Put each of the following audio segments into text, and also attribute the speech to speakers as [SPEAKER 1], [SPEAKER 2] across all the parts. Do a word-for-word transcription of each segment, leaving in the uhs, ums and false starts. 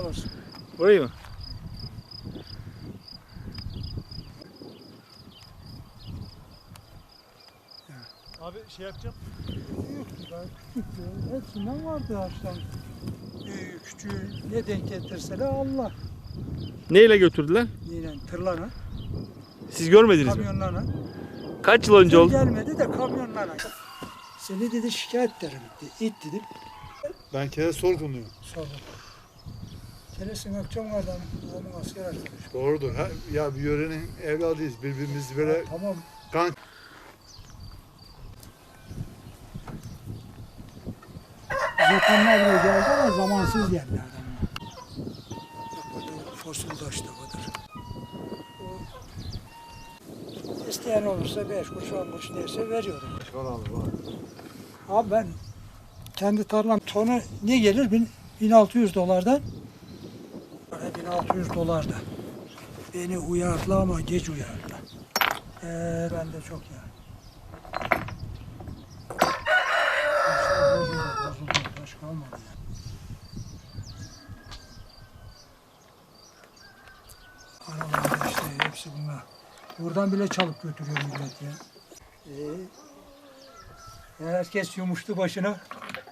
[SPEAKER 1] olsun.
[SPEAKER 2] Burayı mı?
[SPEAKER 3] Abi şey yapacağım.
[SPEAKER 1] Büyüktü daha küçüktü. Hepsinden vardı ağaçtan. Büyüğü küçüğü ne denk getirseler Allah.
[SPEAKER 2] Neyle götürdüler?
[SPEAKER 1] Yine tırlara,
[SPEAKER 2] Siz görmediniz mi?
[SPEAKER 1] kamyonlara.
[SPEAKER 2] Kaç yıl önce
[SPEAKER 1] Tır
[SPEAKER 2] oldu?
[SPEAKER 1] gelmedi de kamyonlara. Seni dedi şikayet ederim dedi. İt dedim.
[SPEAKER 3] Ben kere sorgunluyum.
[SPEAKER 1] Sonra. Keresin akşam vardı ama asker arkadaş.
[SPEAKER 3] Doğrudur. Ha, ya bir yörenin evladıyız. Birbirimizi böyle
[SPEAKER 1] Tamam.
[SPEAKER 3] kan
[SPEAKER 1] Japonlar bile geldi ama zamansız geldi adamlar. Burada fosil taş da vardır. O, isteyen olursa beş kuruş on kuruş derse veriyorum. Abi ben kendi tarlam tonu ne gelir? Bin- 1600 dolardan. Bana bin altı yüz dolarda. Beni uyardı ama geç uyardı. Ee, ben de çok ya. Taşlar bozuldu, bozuldu. Taş kalmadı ya. Aralarda işte hepsi bunlar. Buradan bile çalıp götürüyor millet ya. Ee, herkes yumuştu başına.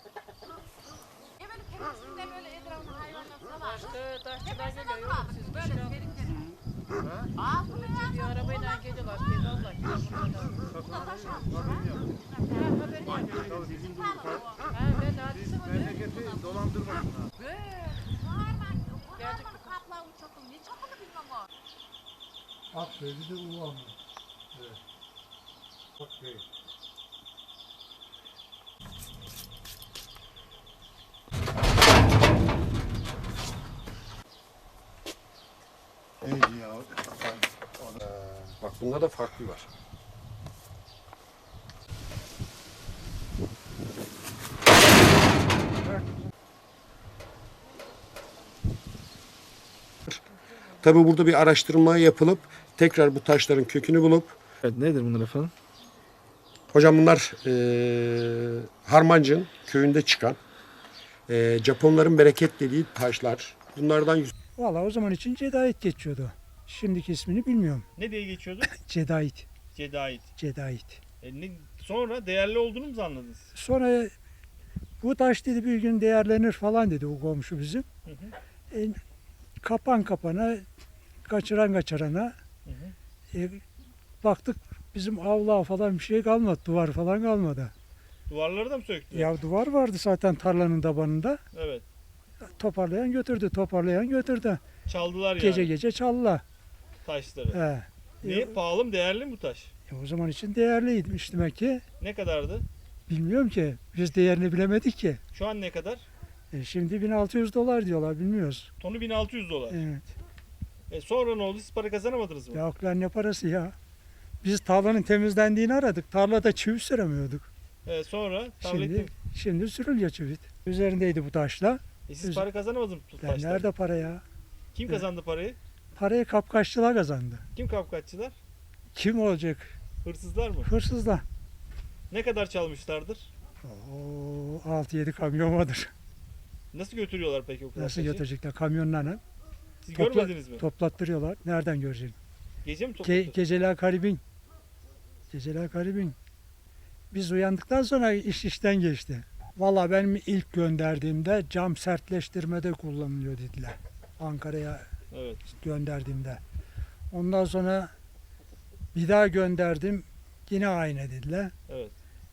[SPEAKER 4] Taştı, taşçılar geliyor. Yok siz böyle derin derin. Bir arabayla geliyorlar. Gel Allah. Haberim yok. Ha ben de hadise var.
[SPEAKER 3] memleketi dolandırmayın.
[SPEAKER 1] Bak söyledi de ulan.
[SPEAKER 3] Evet. Bak değil. Neydi ya?
[SPEAKER 5] Bak bunda da farklı var. Tabii burada bir araştırma yapılıp tekrar bu taşların kökünü bulup
[SPEAKER 2] Evet, nedir bunlar efendim?
[SPEAKER 5] hocam bunlar eee Harmancık'ın köyünde çıkan eee Japonların bereket dediği taşlar. Bunlardan yüz-
[SPEAKER 1] Valla o zaman için Cedait geçiyordu. Şimdiki ismini bilmiyorum.
[SPEAKER 6] Ne diye geçiyordu?
[SPEAKER 1] Cedait.
[SPEAKER 6] Cedait.
[SPEAKER 1] Cedait.
[SPEAKER 6] E ne, sonra değerli olduğunu mu anladınız?
[SPEAKER 1] Sonra bu taş dedi bir gün değerlenir falan dedi o komşu bizim.
[SPEAKER 6] Hı hı.
[SPEAKER 1] E, kapan kapana, kaçıran kaçırana.
[SPEAKER 6] Hı hı.
[SPEAKER 1] E, baktık bizim avluğa falan bir şey kalmadı. Duvar falan kalmadı.
[SPEAKER 6] Duvarları da mı söktü?
[SPEAKER 1] Ya duvar vardı zaten tarlanın tabanında.
[SPEAKER 6] Evet.
[SPEAKER 1] Toparlayan götürdü, toparlayan götürdü.
[SPEAKER 6] Çaldılar yani
[SPEAKER 1] Gece gece çaldılar.
[SPEAKER 6] taşları.
[SPEAKER 1] He.
[SPEAKER 6] Niye? Pahalı mı? Değerli mi bu taş?
[SPEAKER 1] E, o zaman için değerliymiş demek ki.
[SPEAKER 6] Ne kadardı?
[SPEAKER 1] Bilmiyorum ki. Biz değerini bilemedik ki.
[SPEAKER 6] Şu an ne kadar?
[SPEAKER 1] E, şimdi bin altı yüz dolar diyorlar bilmiyoruz.
[SPEAKER 6] Tonu bin altı yüz dolar.
[SPEAKER 1] Evet.
[SPEAKER 6] E sonra ne oldu? Siz para kazanamadınız mı?
[SPEAKER 1] Ya lan ne parası ya? Biz tarlanın temizlendiğini aradık. Tarlada çivi süremiyorduk.
[SPEAKER 6] E sonra tarlayı
[SPEAKER 1] Şimdi, şimdi sürülüyor çivit. Üzerindeydi bu taşla.
[SPEAKER 6] E siz para kazanamadınız mı bu
[SPEAKER 1] Lan
[SPEAKER 6] taştan?
[SPEAKER 1] nerede para ya?
[SPEAKER 6] Kim kazandı parayı?
[SPEAKER 1] Parayı kapkaççılar kazandı.
[SPEAKER 6] Kim kapkaççılar?
[SPEAKER 1] Kim olacak?
[SPEAKER 6] Hırsızlar mı?
[SPEAKER 1] Hırsızlar.
[SPEAKER 6] Ne kadar çalmışlardır?
[SPEAKER 1] Oo, altı yedi kamyon vardır.
[SPEAKER 6] Nasıl götürüyorlar peki o kadar
[SPEAKER 1] Nasıl
[SPEAKER 6] taşı?
[SPEAKER 1] götürecekler? Kamyonlarla
[SPEAKER 6] Siz
[SPEAKER 1] Topla-
[SPEAKER 6] görmediniz mi?
[SPEAKER 1] toplattırıyorlar. Nereden göreceksin?
[SPEAKER 6] Gece mi
[SPEAKER 1] Ge-
[SPEAKER 6] topladı?
[SPEAKER 1] geceler garibin. Geceler garibin. Biz uyandıktan sonra iş işten geçti. Valla benim ilk gönderdiğimde cam sertleştirmede kullanılıyor dediler. Ankara'ya
[SPEAKER 6] Evet.
[SPEAKER 1] gönderdiğimde. Ondan sonra bir daha gönderdim. Yine aynı dediler.
[SPEAKER 6] Evet.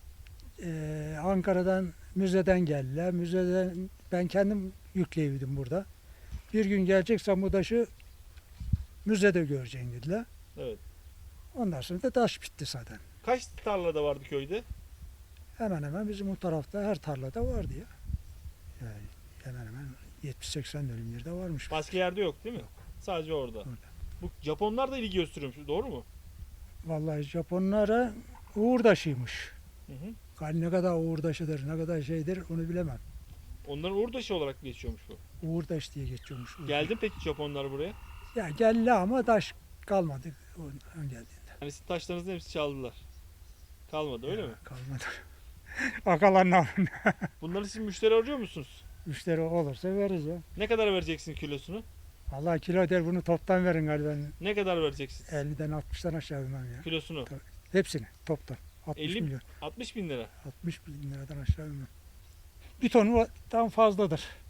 [SPEAKER 1] Ee, Ankara'dan müzeden geldiler. Müzeden ben kendim yükleyebildim burada. Bir gün geleceksen bu taşı müzede göreceksin dediler.
[SPEAKER 6] Evet.
[SPEAKER 1] Ondan sonra da taş bitti zaten.
[SPEAKER 6] Kaç tarlada vardı köyde?
[SPEAKER 1] Hemen hemen bizim o tarafta her tarlada vardı ya. Yani hemen hemen yetmiş seksen dönüm yerde varmış.
[SPEAKER 6] Başka yerde yok değil mi? Sadece orada.
[SPEAKER 1] Orada.
[SPEAKER 6] Bu Japonlar da ilgi gösteriyormuş. Doğru mu?
[SPEAKER 1] Vallahi Japonlara uğurdaşıymış.
[SPEAKER 6] Hı hı.
[SPEAKER 1] Yani ne kadar uğurdaşıdır, ne kadar şeydir onu bilemem.
[SPEAKER 6] Onların uğurdaşı olarak geçiyormuş bu.
[SPEAKER 1] Uğurdaş diye geçiyormuş. Uğurdaş.
[SPEAKER 6] Geldi mi peki Japonlar buraya?
[SPEAKER 1] Ya geldi ama taş kalmadı o geldiğinde.
[SPEAKER 6] Yani sizin taşlarınızın hepsi çaldılar. Kalmadı öyle
[SPEAKER 1] Ya,
[SPEAKER 6] mi?
[SPEAKER 1] Kalmadı. Akalanlar.
[SPEAKER 6] Bunları siz müşteri arıyor musunuz?
[SPEAKER 1] Müşteri olursa veririz ya.
[SPEAKER 6] Ne kadar vereceksin kilosunu?
[SPEAKER 1] Allah kilo der bunu toptan verin galiba.
[SPEAKER 6] Ne kadar vereceksin
[SPEAKER 1] elliden altmıştan aşağı bilmem ya.
[SPEAKER 6] kilosunu?
[SPEAKER 1] Hepsini toptan. altmış
[SPEAKER 6] elli
[SPEAKER 1] milyon.
[SPEAKER 6] altmış bin lira.
[SPEAKER 1] altmış bin liradan aşağı bilmem. Bir tonu tam fazladır.